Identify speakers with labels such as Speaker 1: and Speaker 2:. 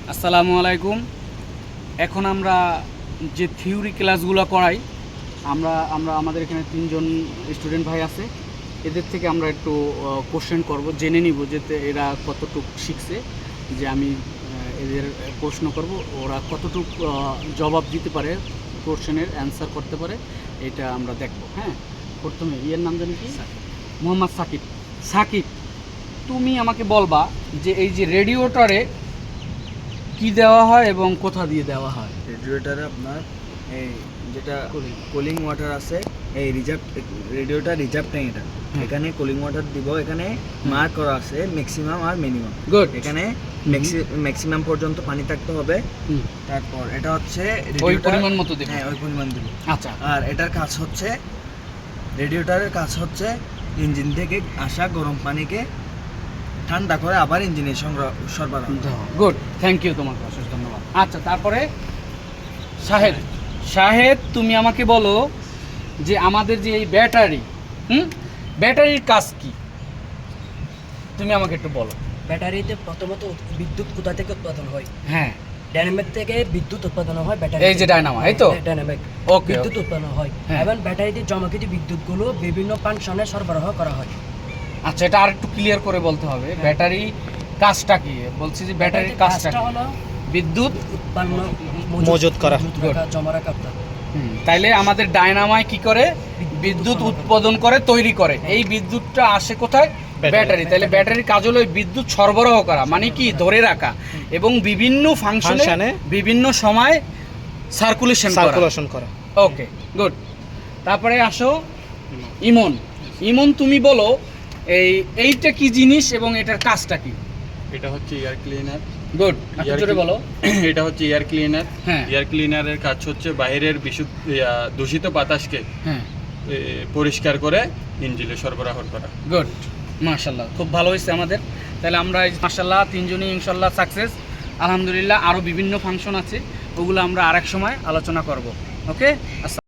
Speaker 1: আসসালামু আলাইকুম। এখন আমরা যে থিওরি ক্লাসগুলো করাই আমরা আমরা আমাদের এখানে 3 জন স্টুডেন্ট ভাই আছে। এদের থেকে আমরা একটু কোশ্চেন করব, জেনে নিব যে এরা কতটুকু শিখছে, যে আমি এদের প্রশ্ন করব ওরা কতটুকু জবাব দিতে পারে, কোশ্চেনের অ্যান্সার করতে পারে, এটা আমরা দেখব। হ্যাঁ, প্রথমে এর নাম জানি কি? মোহাম্মদ সাকিব। সাকিব, তুমি আমাকে বলবা যে এই যে রেডিওটারে কি দেওয়া হয় এবং কোথা দিয়ে দেওয়া হয়?
Speaker 2: রেডিওটারে আপনার এই যেটা কুলিং ওয়াটার আছে, এই রিজার্ভ রেডিওটা রিজার্ভ ট্যাঙ্ক, এটা এখানে কুলিং ওয়াটার দিব। এখানে মার্ক করা আছে ম্যাক্সিমাম আর মিনিমাম।
Speaker 1: গুড।
Speaker 2: এখানে ম্যাক্সিমাম পর্যন্ত পানি থাকতে হবে। তারপর এটা হচ্ছে
Speaker 1: ওই পরিমাণ মতো দেব।
Speaker 2: হ্যাঁ, ওই পরিমাণ দিব।
Speaker 1: আচ্ছা।
Speaker 2: আর এটার কাজ হচ্ছে, রেডিওটারের কাজ হচ্ছে ইঞ্জিন থেকে আসা গরম পানিকে ঠান্ডা করে আবার ইঞ্জিনে সরবরাহ।
Speaker 1: গুড, থ্যাংক ইউ, তোমাকে অশেষ ধন্যবাদ। আচ্ছা, তারপরে শাহেদ। শাহেদ, তুমি আমাকে বলো যে আমাদের যে এই ব্যাটারি, ব্যাটারির কাজ কি? তুমি আমাকে একটু বলো।
Speaker 3: ব্যাটারিতে প্রথমত বিদ্যুৎ কোথা থেকে উৎপাদন হয়?
Speaker 1: হ্যাঁ,
Speaker 3: ডাইনামিক থেকে বিদ্যুৎ উৎপাদন হয় ব্যাটারি।
Speaker 1: এই যে ডায়নামো, এই তো
Speaker 3: ডাইনামিক
Speaker 1: ওকে,
Speaker 3: বিদ্যুৎ উৎপাদন হয়
Speaker 1: হ্যাঁ।
Speaker 3: এবং ব্যাটারিতে জমাকৃত বিদ্যুৎগুলো বিভিন্ন ফাংশনে সরবরাহ করা হয়।
Speaker 1: আচ্ছা, এটা আর একটু ক্লিয়ার করে বলতে হবে। ব্যাটারি কাজটা কি? বলছি যে ব্যাটারির কাজটা
Speaker 3: হলো
Speaker 1: বিদ্যুৎ
Speaker 3: উৎপন্ন
Speaker 2: মজুত করা,
Speaker 3: জমা রাখা অর্থাৎ।
Speaker 1: তাইলে আমাদের ডায়নামায় কি করে? বিদ্যুৎ উৎপাদন করে, তৈরি করে। এই বিদ্যুৎটা আসে কোথায়? ব্যাটারি। তাহলে ব্যাটারির কাজ হলো বিদ্যুৎ সরবরাহ করা, মানে কি ধরে রাখা এবং বিভিন্ন ফাংশনে বিভিন্ন সময় সার্কুলেশন করা। Okay, good. তারপরে আসো ইমন। ইমন, তুমি বলো এইটা কি জিনিস এবং এটার কাজটা কি?
Speaker 4: এটা হচ্ছে এয়ার ক্লিনার।
Speaker 1: গুড, একটু জোরে বলো।
Speaker 4: এটা হচ্ছে এয়ার ক্লিনার।
Speaker 1: হ্যাঁ।
Speaker 4: এয়ার ক্লিনারের কাজ হচ্ছে বাইরের দূষিত বাতাসকে
Speaker 1: হ্যাঁ,
Speaker 4: পরিষ্কার করে ইঞ্জিনে সরবরাহ করা।
Speaker 1: গুড, মাশাল্লাহ, খুব ভালো হয়েছে আমাদের। তাহলে আমরা মাশাল্লাহ 3 জনই ইনশাল্লাহ সাকসেস, আলহামদুলিল্লাহ। আরও বিভিন্ন ফাংশন আছে, ওগুলো আমরা আরেক সময় আলোচনা করব। ওকে।